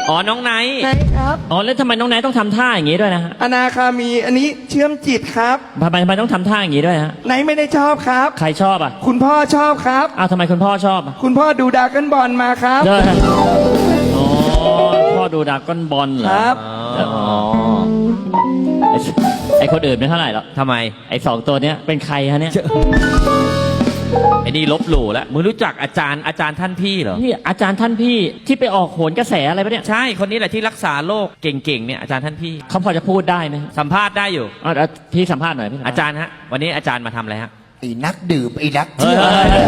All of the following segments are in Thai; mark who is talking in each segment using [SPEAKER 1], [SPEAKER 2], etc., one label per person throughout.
[SPEAKER 1] อ๋อน้องไนท์
[SPEAKER 2] ไหนครับ
[SPEAKER 3] อ๋อแล้วทำไมน้องไนท์ต้องทำท่าอย่างนี้ด้วยนะฮะ
[SPEAKER 2] อนาคามีอันนี้เชื่อมจิตครับ
[SPEAKER 3] ทำไมต้องทำท่าอย่างนี้ด้วยฮะ
[SPEAKER 2] ไหนไม่ได้ชอบครับ
[SPEAKER 3] ใครชอบอ่ะ
[SPEAKER 2] คุณพ่อชอบครับ
[SPEAKER 3] อ้าวทำไมคุณพ่อชอบอ่ะ
[SPEAKER 2] คุณพ่อดูดราก้อนบอลมาครับ
[SPEAKER 3] เด้ออ๋อพ่อดูดราก้อนบอลเหรอ
[SPEAKER 2] ครับ
[SPEAKER 3] อ๋อไอคนอื่นไม่เท่าไหร่หรอก
[SPEAKER 1] ทำไม
[SPEAKER 3] ไอสองตัวเนี้ยเป็นใครฮะเนี่ย
[SPEAKER 1] ไอ้นี่ลบหลู่แล้วมึงรู้จักอาจารย์ท่านพี่เหรอ
[SPEAKER 3] นี่อาจารย์ท่านพี่ที่ไปออกโหนกระแสอะไรปะเนี่ย
[SPEAKER 1] ใช่คนนี้แหละที่รักษาโรคเก่งๆเนี่ยอาจารย์ท่านพี่
[SPEAKER 3] เขาพอจะพูดได้ไหม
[SPEAKER 1] สัมภาษณ์ได้อยู่
[SPEAKER 3] อ๋อพี่สัมภาษณ์หน่อยพี่สัมภษณ์
[SPEAKER 1] อาจารย์ฮะวันนี้อาจารย์มาทำอะไรฮะ
[SPEAKER 4] ไอ้นักดื่มไอ้นัก
[SPEAKER 3] เฮ้
[SPEAKER 4] เที่
[SPEAKER 3] ย
[SPEAKER 4] ยว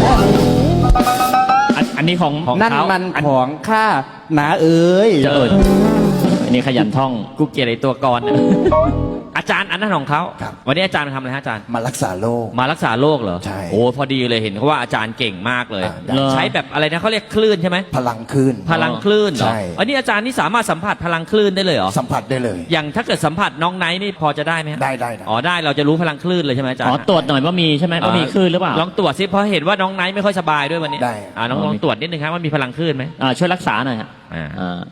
[SPEAKER 3] อันนี้ของ
[SPEAKER 1] ของ
[SPEAKER 2] นั่น
[SPEAKER 1] เขา
[SPEAKER 2] มันของข้าหนาเอ๋ย
[SPEAKER 3] เจออันนี้ขยันท่อง
[SPEAKER 1] กูเกลียดไอ้ตัวกรเนี่ยอาจารย์อันนั้นของเขาวันนี้อาจารย์มาทำอะไรฮะอาจารย์
[SPEAKER 4] มารักษาโรค
[SPEAKER 1] มารักษาโรคเหรอ
[SPEAKER 4] ใช่
[SPEAKER 1] โอ้พอดีเลยเห็นเขาว่าอาจารย์เก่งมากเลย
[SPEAKER 4] ได้
[SPEAKER 1] ใช้แบบอะไรนะเขาเรียกคลื่นใช่ไหม
[SPEAKER 4] พลังขึ้น
[SPEAKER 1] พลังคลื่นเหรอ
[SPEAKER 4] ใช่
[SPEAKER 1] อันนี้อาจารย์นี่สามารถสัมผัสพลังคลื่นได้เลยเหรอ
[SPEAKER 4] สัมผัสได้เลย
[SPEAKER 1] อย่างถ้าเกิดสัมผัสน้องไนท์นี่พอจะได้ไหมฮะ
[SPEAKER 4] ได้นะ
[SPEAKER 1] อ๋อได้เราจะรู้พลังคลื่นเลยใช่ไหมอาจารย์
[SPEAKER 3] อ๋อตรวจหน่อยว่ามีใช่ไหมว่ามีคลื่นหรือเปล่า
[SPEAKER 1] ลองตรวจซิเพราะเห็นว่าน้องไนท์ไม่ค่อยสบายด้วยวันนี้
[SPEAKER 4] ได้
[SPEAKER 1] น้องลองตรวจนิดนึงครับว่ามีพลังคลื่นไหม
[SPEAKER 3] ช่วยรักษาหน่อยฮะ
[SPEAKER 1] อ่า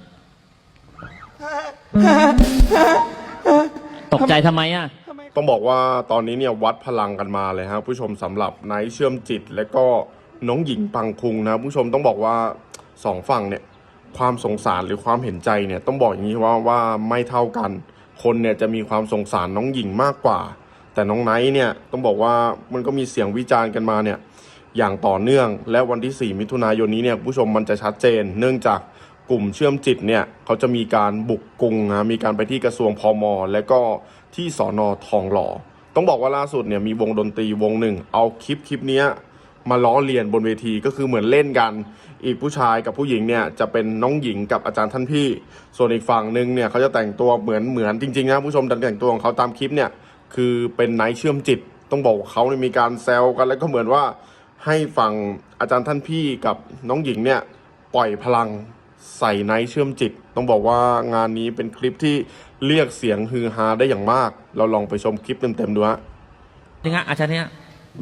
[SPEAKER 3] ตกใจทำไมอ่ะ
[SPEAKER 5] ต้องบอกว่าตอนนี้เนี่ยวัดพลังกันมาเลยครับผู้ชมสำหรับไนท์เชื่อมจิต และก็น้องหญิงปังคุงนะผู้ชมต้องบอกว่าสองฝั่งเนี่ยความสงสารหรือความเห็นใจเนี่ยต้องบอกอย่างนี้ว่าไม่เท่ากัน คนเนี่ยจะมีความสงสารน้องหญิงมากกว่า แต่น้องไนท์เนี่ยต้องบอกว่ามันก็มีเสียงวิจารณ์กันมาเนี่ยอย่างต่อเนื่องและวันที่ 4 มิถุนายนนี้เนี่ยผู้ชมมันจะชัดเจน เนื่องจากกลุ่มเชื่อมจิตเนี่ยเขาจะมีการบุกกรุงนะมีการไปที่กระทรวงพมและก็ที่สน.ทองหล่อต้องบอกว่าล่าสุดเนี่ยมีวงดนตรีวงหนึ่งเอาคลิปนี้มาล้อเลียนบนเวทีก็คือเหมือนเล่นกันอีกผู้ชายกับผู้หญิงเนี่ยจะเป็นน้องหญิงกับอาจารย์ท่านพี่ส่วนอีกฝั่งหนึ่งเนี่ยเขาจะแต่งตัวเหมือนจริงๆนะผู้ชมแต่งตัวของเขาตามคลิปเนี่ยคือเป็นไนท์เชื่อมจิตต้องบอกเขาเนี่ยมีการแซวกันแล้วก็เหมือนว่าให้ฝั่งอาจารย์ท่านพี่กับน้องหญิงเนี่ยปล่อยพลังใส่ไนท์เชื่อมจิตต้องบอกว่างานนี้เป็นคลิปที่เรียกเสียงฮือฮาได้อย่างมากเราลองไปชมคลิปเต็มๆดูฮะ
[SPEAKER 1] นี่ฮะอาจารย์เนี่ย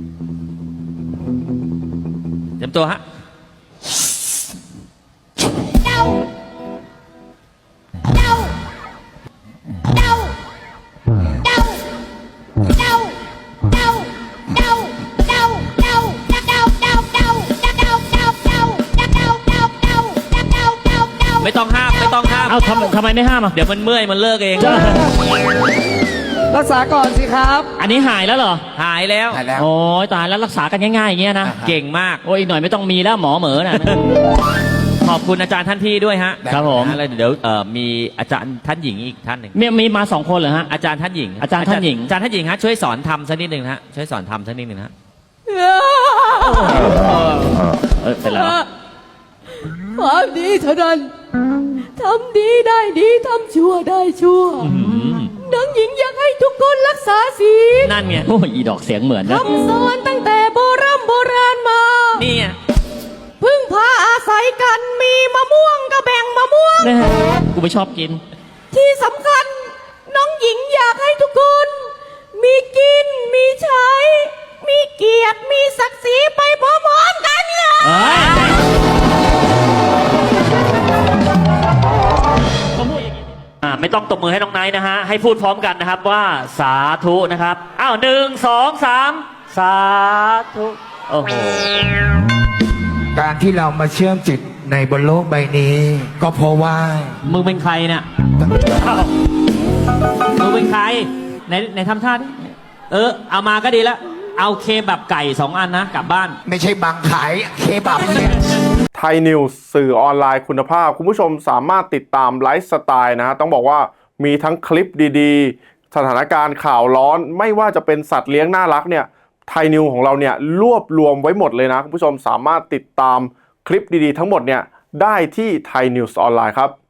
[SPEAKER 1] เตรียมตัวฮะไม่ต้องห้าม
[SPEAKER 3] เอ้าทำไมไม่ห้ามอ่ะ
[SPEAKER 1] เดี๋ยวมันเมื่อยมันเลิกเอง
[SPEAKER 2] รักษาก่อนสิครับ
[SPEAKER 3] อันนี้หายแล้วเหรอ
[SPEAKER 1] หายแล้ว
[SPEAKER 4] หายแล้ว
[SPEAKER 3] โอ้ยตายแล้วรักษากันง่ายๆอย่างเงี้ยนะ
[SPEAKER 1] เก่งมาก
[SPEAKER 3] โอ้ยอีกหน่อยไม่ต้องมีแล้วหมอเหมอน่ะ
[SPEAKER 1] ขอบคุณอาจารย์ท่านพี่ด้วยฮะ
[SPEAKER 3] ครับผม
[SPEAKER 1] แล้วเดี๋ยวมีอาจารย์ท่านหญิงอีกท่านหนึ่ง
[SPEAKER 3] มีมา2 คนเหรอฮะ
[SPEAKER 1] อาจารย์ท่านหญิง
[SPEAKER 3] อาจารย์ท่านหญิง
[SPEAKER 1] อาจารย์ท่านหญิงฮะช่วยสอนทำสักนิดหนึ่งฮะช่วยสอนทำสักนิดหนึ่งฮะ
[SPEAKER 3] เป็นไรวะ
[SPEAKER 6] ความดีเท่านั้นทำดีได้ดีทำชั่วได้ชั่วน้องหญิงอยากให้ทุกคนรักษาศีล
[SPEAKER 3] นั่นไงโอ้ยอีดอกเสียงเหมือนนะ
[SPEAKER 6] คำสอนตั้งแต่โบราณมา
[SPEAKER 1] นี่ไง
[SPEAKER 6] พึ่งพาอาศัยกันมีมะม่วงก็แบ่งมะม่วง
[SPEAKER 3] แม่กูไม่ชอบกิน
[SPEAKER 6] ที่สำคัญน้องหญิงอยากให้ทุกคน มีกินมีใช้ มีเกียรติมีศักดิ์ศรีไปพร้อมๆกันเลย
[SPEAKER 3] ไม่ต้องตบมือให้น้องไนท์นะฮะ ให้พูดพร้อมกันนะครับว่าสาธุนะครับ อ้าว1 2 3 สาธุ โอ้โห
[SPEAKER 4] การที่เรามาเชื่อมจิตในบนโลกใบนี้ ก็เพราะว่า
[SPEAKER 3] มึงเป็นใครเนี่ยอ้าวมึงเป็นใครในทำท่าดิเอามาก็ดีแล้ว เอาเคแบบไก่2 อันนะกลับบ้าน
[SPEAKER 4] ไม่ใช่บังขายเคบับเนี่ย
[SPEAKER 5] ไทยนิวส์สื่อออนไลน์คุณภาพคุณผู้ชมสามารถติดตามไลฟ์สไตล์นะต้องบอกว่ามีทั้งคลิปดีๆสถานการณ์ข่าวร้อนไม่ว่าจะเป็นสัตว์เลี้ยงน่ารักเนี่ยไทยนิวของเราเนี่ยรวบรวมไว้หมดเลยนะคุณผู้ชมสามารถติดตามคลิปดีๆทั้งหมดเนี่ยได้ที่ไทยนิวส์ออนไลน์ครับ